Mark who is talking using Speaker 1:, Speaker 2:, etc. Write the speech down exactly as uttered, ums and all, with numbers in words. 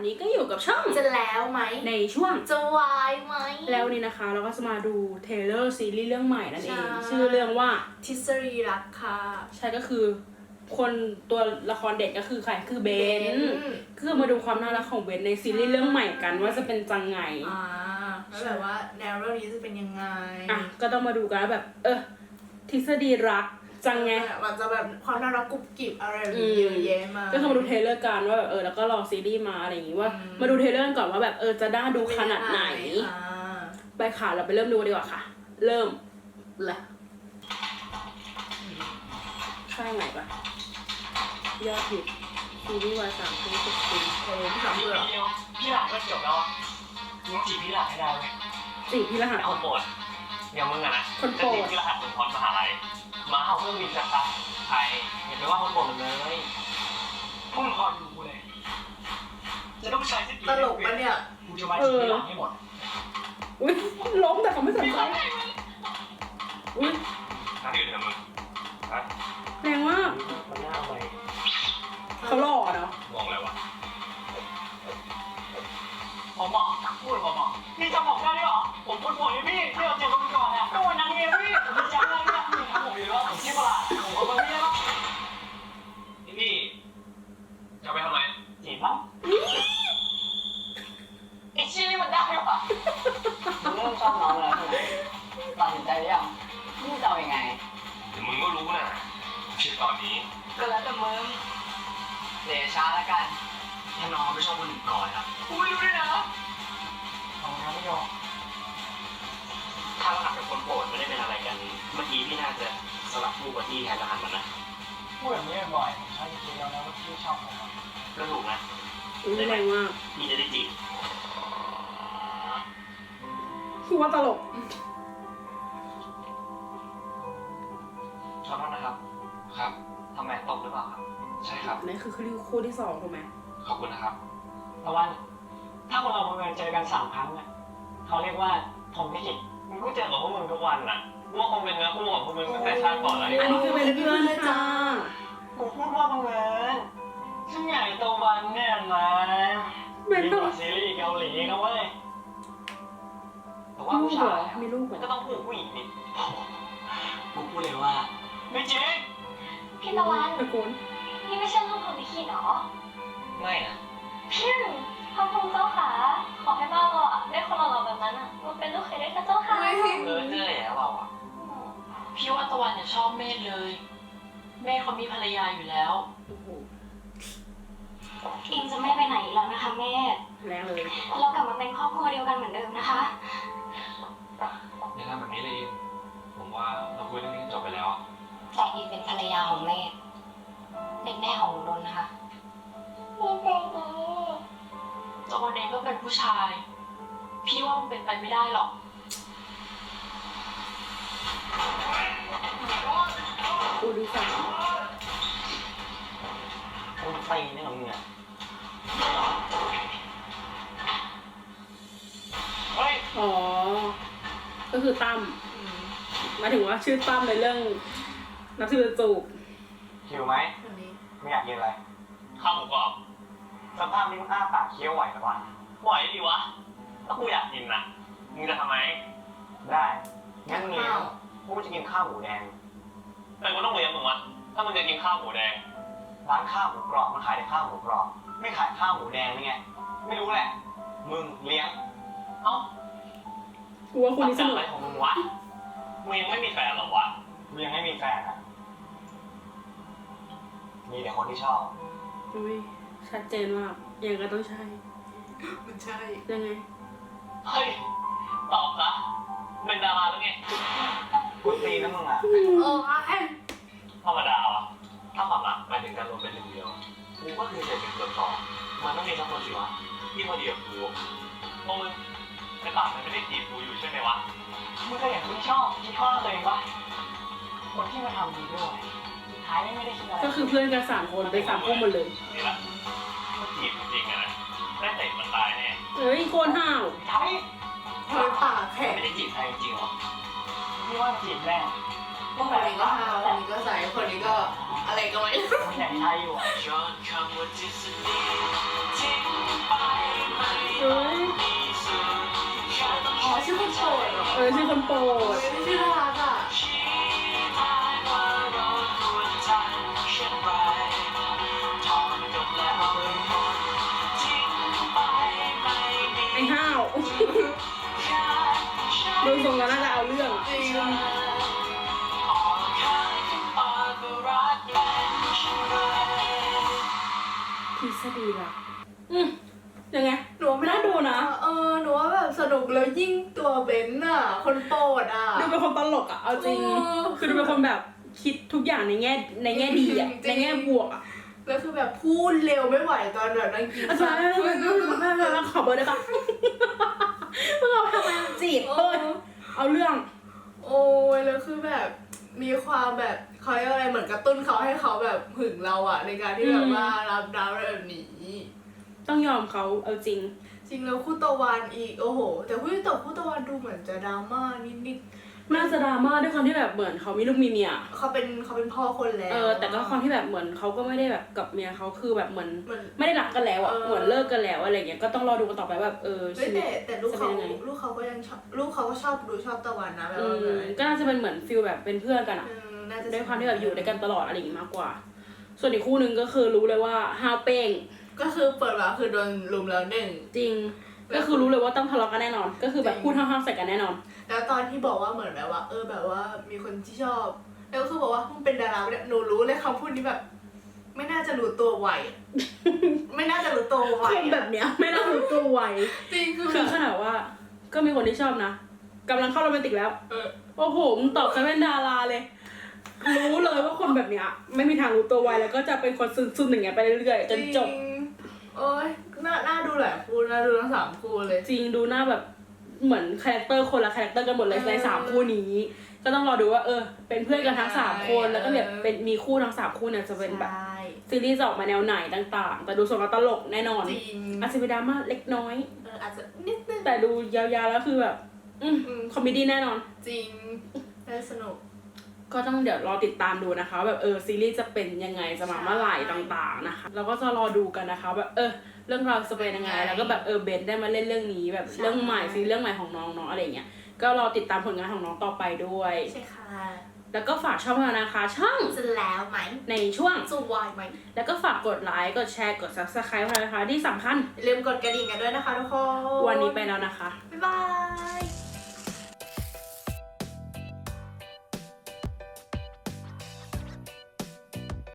Speaker 1: นี้ก็อยู่กับช่อง
Speaker 2: จะแล้วไหม
Speaker 1: ในช่วง
Speaker 2: จะวายไหม
Speaker 1: แล้วนี่นะคะเราก็จะมาดูเทเลอร์ซีรีส์เรื่องใหม่นั่นเองชื่อเรื่องว่า
Speaker 2: ทฤษฎีรักค่ะ
Speaker 1: ใช่ก็คือคนตัวละครเด็กก็คือใครคือเบนคือมาดูความน่ารักของเบนในซีรีส์เรื่องใหม่กันว่าจะเป็นจังไง
Speaker 2: อ่าแล้วแบบว่าแนวเรื่องนี้จะเป็นยังไง
Speaker 1: อ่ะก็ต้องมาดูกันแบบเออทฤษฎีรักจังไง
Speaker 2: มันจะแบบความน่ารักกุบกิบอะไรแบบนี้เยอะแยะมาก
Speaker 1: ก็คือมาดูเทเลอร์กันว่าแบบเออแล้วก็รอซีรีส์มาอะไรอย่างงี้ว่ามาดูเทเลอร์ก่อนว่าแบบเออจะน่าดูขนาดไหนไปค่ะเราไปเริ่มดูดีกว่าค่ะ เริ่มเลยใช่ไหนปะยอดฮิตซีรีส์วายสามปีสิบปี
Speaker 2: โอ้พี่สาม
Speaker 3: พี่
Speaker 2: เบื่อ
Speaker 3: เดียวพี่หลังก็จบแล้วอ่ะมึงจีบพี่หลังให้ได้ไหม
Speaker 1: สี่พี่รหัส
Speaker 3: เอาโปรดอย่างมึงอะนะ
Speaker 1: คนโปรด
Speaker 3: จะจีบพี่รหัสมึงพรมหาลัยมาเอาเครื่องบินสักครั้งไทยอย่าไปว่าคนโปรดมันเลยพวกมึงคอยดูกูเลยจะต้องใช้สกิล
Speaker 2: ตลกปะเนี่ย
Speaker 3: กูจะมาจีบพี่หลังให้หมด
Speaker 1: อุ้ยล้มแต่เขาไม่สนใจอุ้ย
Speaker 3: นั่นคือเธอมึงฮะ
Speaker 1: แรงมาก
Speaker 3: มันน่าไป
Speaker 1: เขาหล่อเนาะ
Speaker 3: มองอะไรวะหมอหมอพูดหมอหมอนี่จะบอกได้ด้วยเหรอผมพูดบอกให้พี่ที่เราเจอกันก่อนเนี่ยก็วันนั้นไงพี่ผมจำได้เนี่ยพี่ถามผมอยู่ว่าผมชื่อประหลาดผมก็ไม่ได้หรอกนี่พี่จะไปทำไมจีบมั้งไอ้ชี้นี่มันได้หรอมึงเริ่มชอบน้องแล้วใช่ไหมตัดสินใจยังมึงจะเอายังไงเดี๋ยวมึงก็รู้นะคิดตอนนี้ก็แล้วแต่มึงเดช้าแล้วกันถ้าน้องไม่ชอบคนอื่นก่อนอ่ะกูไม่รู้ด้วยนะน้องนะไม่ยอมถ้ารหัสกับคนโปรดไม่ได้เป็นอะไรกันเมื่อกี้พี่น่าจะสลับลูกกับที่แทนรหัสมันนะพูดแบบนี้บ่อยใช่จริงๆแล้วนะว่าพี่ชอบผมก็ถูกนะ
Speaker 1: อุ้ยแรงมาก
Speaker 3: พี่จะได้จีบ
Speaker 1: คือว่าตลก
Speaker 3: ขอโทษนะครับครับทำไมตกหรือเปล่าครับใช่ครับ
Speaker 1: นี่คือคู่ที่สองถูกไหม
Speaker 3: ขอบคุณนะครับตะวัน ถ้าคนเราบังเอิญเจอกันสามครั้งอ่ะเขาเรียกว่าผมไม่ผิดมึงก็เจอกับพวกมึงทุกวันน่ะว่าคงเป็นเนื้อคู่ของพวกมึงตั้งแต่ชาติก่อนแล้ว
Speaker 1: อันนี้คือเป็นเพื่อนค่ะ
Speaker 3: กูพูดว่าบังเอิญฉันใหญ่โตวันเนี่ยนะ
Speaker 1: เป็น
Speaker 3: มี
Speaker 1: ต้อง
Speaker 3: กว่าซีรีส์เกาหลีนะเว้ยแต่ว่า
Speaker 1: ลู
Speaker 3: ผู้
Speaker 1: กเหร
Speaker 3: ชา
Speaker 1: อย มีลูกเหร
Speaker 3: มัน
Speaker 1: อ
Speaker 3: ก็ต้องพูดผู้หญิงดิกูพูดเลยว่าไม่จริง
Speaker 4: พี่ตะวัน
Speaker 1: ตะโกน
Speaker 4: นี่ไม่ใช่ลูกของพี่ขีดหรอ
Speaker 3: ไม่นะ
Speaker 4: พี่พระภูมิเจ้าขาขอให้บ้านเราอะได้คนหล่อๆแบบนั้นอะมาเป็นลูกเขยได้ค่ะเจ้าค่ะ
Speaker 3: เออเจอแล้วเราอ่ะ
Speaker 5: พี่ว่าตะวันเนี่ยชอบเมธเลย เมธเขามีภรรยาอยู่แล้ว
Speaker 1: โอ้โห
Speaker 4: อิงจะไม่ไปไหนอีกแล้วนะคะแม่
Speaker 1: แรงเลย
Speaker 4: เรากลับมาเป็นครอบครัวเดียวกันเหมือนเดิมนะคะ
Speaker 3: อย่าทำแบบนี้เลยผมว่าเราคุยเรื่องนี้จบไปแล้ว
Speaker 4: แต่อิงเป็นภรรยาของเมธเป็นแม่ของหนูดนนะคะนี่เป็นดี
Speaker 5: ตะวันเองก็เป็นผู้ชาย พี่ว่ามันเป็นไปไม่ได้หรอก
Speaker 1: คู่ที่สาม
Speaker 3: คุณตีนี่ของมึงอ่ะเฮ้ย
Speaker 1: อ๋อ ก็คือตั้มหมายถึงว่าชื่อตั้มในเรื่องนับถือจูบ
Speaker 3: หิวไหม
Speaker 2: อันนี้
Speaker 3: ไม่อยากกินอะไรข้าวหมูกรอบสภาพนี้มึงอ้าปากเคี้ยวไหวหรือเปล่าไหวดิวะถ้ากูอยากกินนะมึงจะทำไหมได้งั้นเลี้ยงกูจะกินข้าวหมูแดงแต่กูต้องเลี้ยงมึงวะถ้ามึงจะกินข้าวหมูแดงร้านข้าวหมูกรอบมันขายแต่ข้าวหมูกรอบไม่ขายข้าวหมูแดงนี่ไงไม่รู้แหละมึงเลี้ยงเอ้า
Speaker 1: กูว่าคู่นี้สนุก
Speaker 3: อะไรของมึงวะมึงยังไม่มีแฟนหรอวะมึงยังไม่มีแฟนอ่ะมีแต่คนที่ชอบ
Speaker 1: อุ้ยชัดเจนมากยังก็ต้องใช่
Speaker 2: มันใช่
Speaker 1: ยังไง
Speaker 3: เฮ้ยตอบซะเป็นดาราแล้วไงกูตีนะมึงอ่ะ
Speaker 2: เออไอ้
Speaker 3: ธรรมดาวะถ้าความรักหมายถึงการรวมเป็นหนึ่งเดียวกูก็คือเศษเป็นส่วนต่อมันต้องมีสักคนสิวะที่พอดีกับกูพวกมึงไอ้ปากมันไม่ได้จีบกูอยู่ใช่ไหมวะมึงก็อย่างที่ชอบที่ชอบตัวเองวะคนที่มาทำดีด้วยสุดท้ายไม่ได้คิดอะไร
Speaker 1: ก็คือเพื่อนกันสามคนไปสามคู่หมดเลย
Speaker 3: นี่ละถ้าจีบจริงๆอะนะได้เตะมันตายแน่
Speaker 1: เฮ้ยโคตรห้าว
Speaker 3: ใช่
Speaker 2: เธอปากแข็ง
Speaker 3: ไม่ได้จีบใครจริงหรอพี่ว่าจีบแม่
Speaker 2: คนนี้ก็ฮาวคนนี้ก็ใส่คนนี้ก็อะไรก็ไม่รู้
Speaker 3: ไม่อยากใช้อยู่อ่ะ
Speaker 1: เอ้ย
Speaker 2: อ๋อชื่อคนโปรดเหรอ
Speaker 1: เออชื่อคนโปรด
Speaker 2: ไม่ได้ชื่อน่ารักอ่ะ
Speaker 1: ไอ้ห้าว ดูทรงแล้วน่าจะเอาเรื่องอะ
Speaker 2: จริง
Speaker 1: ทฤษฎีละอืมยังไง
Speaker 2: หนูว่าไม่
Speaker 1: น่าดูนะ
Speaker 2: เออหนูว่าแบบสนุกแล้วยิ่งตัวเบนซ์อ่ะ คนโปรดอ่ะ
Speaker 1: ดูเป็นคนตลกอ่ะ เอาจริง
Speaker 2: เออ
Speaker 1: คือดูเป็นคนแบบคิดทุกอย่างในแง่ในแง่ดีอ่ะ
Speaker 2: จริง
Speaker 1: ในแง่บวกอ่ะ
Speaker 2: แล้วคือแบบพูดเร็วไม่ไหวตอนแบบนั่งกิน
Speaker 1: อาจารย์ขอเบอร์ได้ปะเพิ่งเอาทำไมจีบ
Speaker 2: เอ
Speaker 1: เปิด
Speaker 2: อ
Speaker 1: เอาเรื่อง
Speaker 2: โอ้ยแล้วคือแบบมีความแบบเขาเรียกว่าอะไรเหมือนกระตุ้นเขาให้เขาแบบหึงเราอะในการที่แบบว่ารับดาวแบบนี้
Speaker 1: ต้องยอมเขาเอาจริง
Speaker 2: จริงแล้วคู่ตะวันอีกโอ้โห แต่คู่แต่คู่ตะวันดูเหมือนจะดราม่านิด
Speaker 1: น่าจะดราม่าด้วยความที่แบบเหมือนเขามีลูกมีเมีย
Speaker 2: ๆเขาเป็นเขาเป็นพ่อคนแล้ว
Speaker 1: เออแต่ก็ความที่แบบเหมือนเขาก็ไม่ได้แบบกับเมียเขาคือแบบเหมือน
Speaker 2: เหมือน
Speaker 1: ไม่ได้รักกันแล้วอ่ะ
Speaker 2: เออ
Speaker 1: เหมือนเลิกกันแล้วอะไรเงี้ยก็ต้องรอดูกันต่อไปแบบเออ
Speaker 2: เฮ้ย
Speaker 1: ชีวิต
Speaker 2: แต่แต่ลูกเขา
Speaker 1: จะเป็นยังไง
Speaker 2: ลูกเขาก็ยังชอบลูกเขาก็ชอบดูชอบตะวันนะแบบ
Speaker 1: อื
Speaker 2: ว่าม
Speaker 1: ก็น่าจะเป็นเหมือนฟิลแบบเป็นเพื่อนกันอ่ะ
Speaker 2: เออน่าจะ
Speaker 1: ด้วยความที่แบบอยู่ด้วยกันตลอดอะไรอย่างงี้มากกว่า ส่วนอีกคู่หนึ่งก็คือรู้เลยว่าฮาวเป้ง
Speaker 2: ก็คือเปิดมาคือโดนลุมแล้วหนึ่ง
Speaker 1: จริง ก็คือรู้เลยว่าต้องทะเลาะกันแน่นอน ก็คือแบบพูดห้าวๆใส่กันแน่นอน
Speaker 2: แล้วตอนที่บอกว่าเหมือนแบบว่า เออแบบว่ามีคนที่ชอบ แล้วก็คือบอกว่ามึงเป็นดาราเนี่ยหนูรู้เลยคำพูดนี้แบบ ไม่น่าจะรู้ตัวไวอะ ไม่น่าจะรู้ตัวไว
Speaker 1: คนแบบเนี้ยไม่น่ารู้ตัวไว
Speaker 2: จริงคือ
Speaker 1: คือ
Speaker 2: แบบ
Speaker 1: ขนาดว่าก็มีคนที่ชอบนะกำลังเข้าโรแมนติกแล้ว
Speaker 2: เออ
Speaker 1: โอ้โหมึงตอบฉันเป็นดาราเลย รู้เลยว่าคนแบบเนี้ยไม่มีทางรู้ตัวไวแล้วก็จะเป็นคนซึมๆอย่างเงี้ยไปเรื่อยๆจนจบ
Speaker 2: ริงโอ้ยน่าน่าดูหลายคู่น่าดูทั้งสามคู่เลย
Speaker 1: จริงดูหน้าแบบเหมือนคาแรคเตอร์คนละคาแรคเตอร์กันหมดเลย
Speaker 2: เออ
Speaker 1: ในสามคู่นี้ ก็ต้องรอดูว่าเออ เป็นเพื่อนกันทั้งสามคน แล้วก็แบบเป็นมีคู่ทั้งสามคู่เนี่ยจะเป็นแบบ
Speaker 2: ใช่
Speaker 1: ซีรีส์จะออกมาแนวไหนต่างๆ แต่ดูสดแล้วตลกแน่นอน
Speaker 2: จริง
Speaker 1: อาจจะเป็นดราม่าเล็กน้อย
Speaker 2: เอออาจจะนิดนึง
Speaker 1: แต่ดูยาวๆแล้วคือแบบอืม
Speaker 2: อืม
Speaker 1: คอมเมดี้แน่นอน
Speaker 2: จริงได้สนุก
Speaker 1: ก็ต้องเดี๋ยวรอติดตามดูนะคะแบบเออซีรีส์จะเป็นยังไงจะมาเมื่อไหร่ต่างๆนะคะเราก็จะรอดูกันนะคะแบบเออเรื่องราวจะเป็นยังไง แล้วก็แบบเออเบนได้มาเล่นเรื่องนี้แบบ
Speaker 2: ใช่
Speaker 1: เรื่องใหม่ซีรีส์เรื่องใหม่ของน้องเนาะอะไรเงี้ยก็รอติดตามผลงานของน้องต่อไปด้วย
Speaker 2: ใช่ค่ะ
Speaker 1: แล้วก็ฝากช่องเรานะคะ ช่อง
Speaker 2: จะแล้วไหม
Speaker 1: ในช่วง
Speaker 2: สู้วายไหม
Speaker 1: แล้วก็ฝากกดไลค์กดแชร์กด ซับสไครบ์ นะคะที่สำคัญ
Speaker 2: อย่าลืมกดกระดิ่งกันด้วยนะคะทุกคน
Speaker 1: วันนี้ไปแล้วนะคะ
Speaker 2: บ๊ายบาย